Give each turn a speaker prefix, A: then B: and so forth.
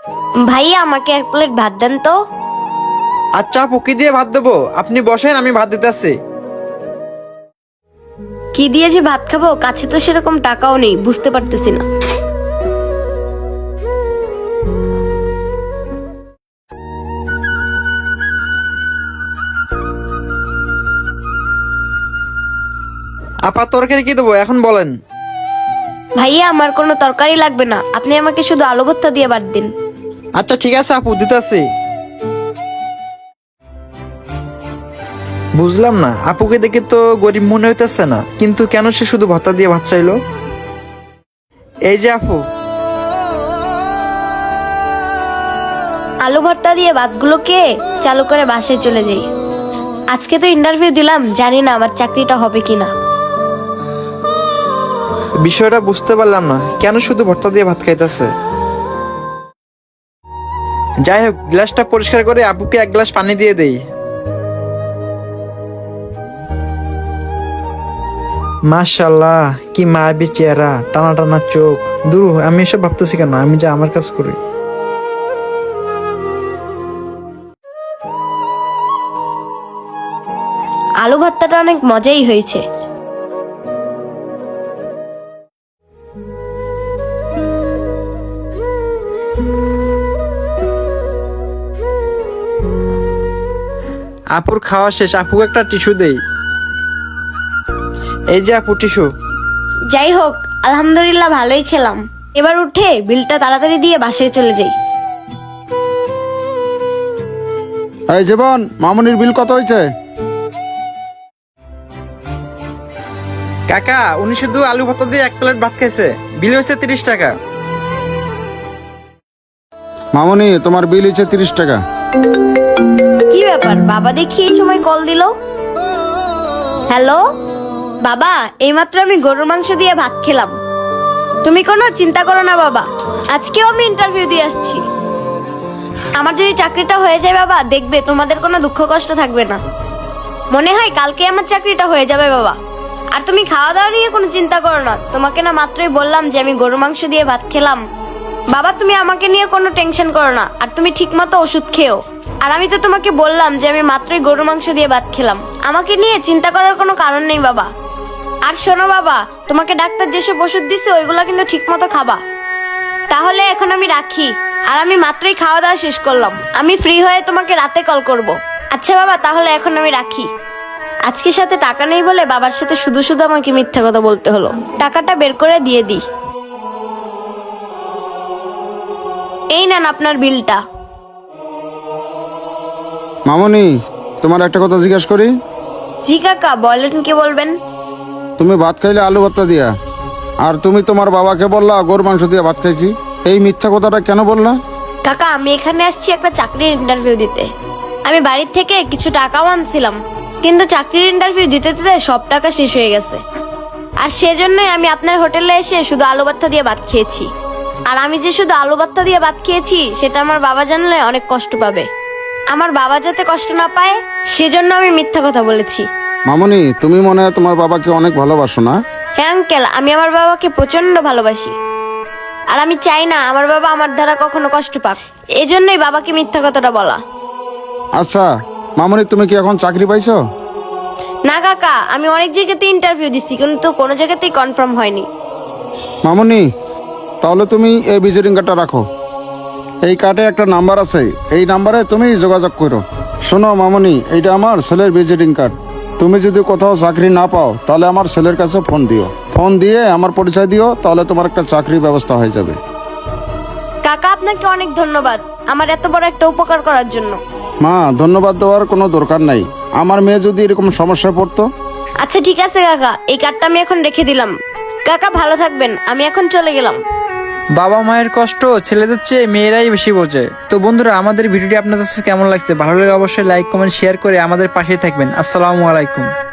A: ভাইয়া আমাকে 1 প্লেট ভাত দেন তো।
B: আচ্ছা আপু, কি দিয়ে ভাত দেবো? আপনি বসেন, আমি ভাত দিতে আসছি।
A: কি দিয়ে যে ভাত খাবো, কাছে তো সেরকম টাকাও নেই, বুঝতে পারতেছি না।
B: আপা, তরকারি কি দেবো এখন বলেন?
A: ভাইয়া আমার কোনো তরকারি লাগবে না, আপনি আমাকে শুধু আলু ভর্তা দিয়ে ভাত দিন।
B: আচ্ছা ঠিক আছে আপু, দিতে আসছি। বুঝলাম না, আপুকে দেখে তো গরিব মনে হইতেছে না, কিন্তু কেন সে শুধু ভর্তা দিয়ে ভাত চাইলো? এই যে আপু।
A: আলু ভর্তা দিয়ে ভাতগুলোকে চালু করে বাসায় চলে যাই। আজকে তো ইন্টারভিউ দিলাম, জানি না আমার চাকরিটা হবে কিনা।
B: বিষয়টা বুঝতে পারলাম না, কেন শুধু ভর্তা দিয়ে ভাত খাইতেছে। যাই হোক, গ্লাসটা পরিষ্কার করে আপুকে 1 গ্লাস পানি দিয়ে দেই। মাশাআল্লাহ, কি মায়াবী চেহারা, টানা টানা চোখ। দূর, আমি এসব ভাবতেছি কেন, আমি যা আমার কাজ করি।
A: আলু ভর্তাটা অনেক মজাই হয়েছে।
B: আপুর খাওয়া শেষ, আপুকে একটা টিস্যু দেই। এই যে আপু, টিস্যু।
A: যাই হোক, আলহামদুলিল্লাহ ভালোই খেলাম। এবার উঠে বিলটা তাড়াতাড়ি দিয়ে বাসায় চলে যাই।
C: এই জীবন, মামুনির বিল কত হয়েছে?
B: কাকা, উনি শুধু আলু ভর্তা দিয়ে 1 প্লেট ভাত খাইছে, বিল হয়েছে 30 টাকা।
C: মামুনি, তোমার বিল হয়েছে 30 টাকা।
A: কি ব্যাপার, বাবা দেখি এই সময় কল দিল। হ্যালো বাবা, এইমাত্র আমি গরুর মাংস দিয়ে ভাত খেলাম। তুমি কোনো চিন্তা করো না বাবা, আজকেও আমি ইন্টারভিউ দিয়ে আসছি। আমার যদি চাকরিটা হয়ে যায় বাবা, দেখবে তোমাদের কোনো দুঃখ কষ্ট থাকবে না। মনে হয় কালকে আমার চাকরিটা হয়ে যাবে বাবা। আর তুমি খাওয়া দাওয়া নিয়ে কোনো চিন্তা করো না, তোমাকে না মাত্রই বললাম যে আমি গরুর মাংস দিয়ে ভাত খেলাম। বাবা তুমি আমাকে নিয়ে কোনো টেনশন করো না, আর তুমি ঠিকমতো ওষুধ খেও। আর আমি তো তোমাকে বললাম যে আমি মাত্রই গরুর মাংস দিয়ে ভাত খেলাম, আমাকে নিয়ে চিন্তা করার কোনো কারণ নেই বাবা। আর শোনো বাবা, তোমাকে ডাক্তার যেসব ওষুধ দিচ্ছে ওইগুলো কিন্তু ঠিকমতো খাবা। তাহলে এখন আমি রাখি, আর আমি মাত্রই খাওয়া দাওয়া শেষ করলাম, আমি ফ্রি হয়ে তোমাকে রাতে কল করব। আচ্ছা বাবা, তাহলে এখন আমি রাখি। আজকে সাথে টাকা নেই বলে বাবার সাথে শুধু শুধু আমাকে মিথ্যা কথা বলতে হলো। টাকাটা বের করে দিয়ে দিই। এই নেন আপনার বিলটা।
C: মামুনি, তোমার একটা কথা জিজ্ঞেস করি?
A: জি কাকা, বলেন, কি বলবেন?
C: তুমি ভাত খাইলে আলু ভর্তা দিয়া, আর তুমি তোমার বাবাকে বললা গরুর মাংস দিয়ে ভাত খাইছি। এই মিথ্যা কথাটা কেন বললা?
A: কাকা, আমি এখানে আসছি একটা চাকরির ইন্টারভিউ দিতে। আমি বাড়ির থেকে কিছু টাকাও আনছিলাম, কিন্তু চাকরির ইন্টারভিউ দিতে দিতে সব টাকা শেষ হয়ে গেছে। আর সেজন্যই আমি আপনার হোটেলে এসে শুধু আলু ভর্তা দিয়ে ভাত খেয়েছি। আর আমি যে শুধু আলু ভর্তা দিয়ে ভাত খেয়েছি সেটা আমার বাবা জানলে অনেক কষ্ট পাবে। আমার বাবা যাতে কষ্ট না পায় সেজন্য আমি মিথ্যা কথা বলেছি।
C: মামুনি, তুমি মনে হয় তোমার বাবাকে অনেক ভালোবাসো না?
A: হ্যাঁ আঙ্কেল, আমি আমার বাবাকে প্রচন্ড ভালোবাসি। আর আমি চাই না আমার বাবা আমার দ্বারা কখনো কষ্ট পাক, এজন্যই বাবাকে মিথ্যা কথাটা বলা।
C: আচ্ছা মামুনি, তুমি কি এখন চাকরি পাইছো?
A: না কাকা, আমি অনেক জায়গাতে ইন্টারভিউ দিচ্ছি, কিন্তু কোনো জায়গাতেই কনফার্ম হয়নি।
C: মামুনি, তাহলে তুমি এই ভিজিটিং কার্ডটা রাখো। এই কার্ডে একটা নাম্বার আছে, এই নাম্বারে তুমি যোগাযোগ করো। শোনো মামুনি, এইটা আমার ছেলের ভিজিটিং কার্ড। তুমি যদি কোথাও চাকরি না পাও তাহলে আমার ছেলের কাছে ফোন দিও, ফোন দিয়ে আমার পরিচয় দিও, তাহলে তোমার একটা চাকরির ব্যবস্থা হয়ে যাবে।
A: কাকা আপনাকে অনেক ধন্যবাদ আমার এত বড় একটা উপকার করার জন্য।
C: মা, ধন্যবাদ দেওয়ার কোনো দরকার নাই। আমার মেয়ে যদি এরকম সমস্যা পড়তো।
A: আচ্ছা ঠিক আছে কাকা, এই কার্ডটা আমি এখন রেখে দিলাম। কাকা ভালো থাকবেন, আমি এখন চলে গেলাম।
B: বাবা মায়ের কষ্ট ছেলেদের চেয়ে মেয়েরাই বেশি বোঝে। তো বন্ধুরা, আমাদের ভিডিওটি আপনাদের কাছে কেমন লাগছে? ভালো লাগলে অবশ্যই লাইক, কমেন্ট, শেয়ার করে আমাদের পাশেই থাকবেন। আসসালামু আলাইকুম।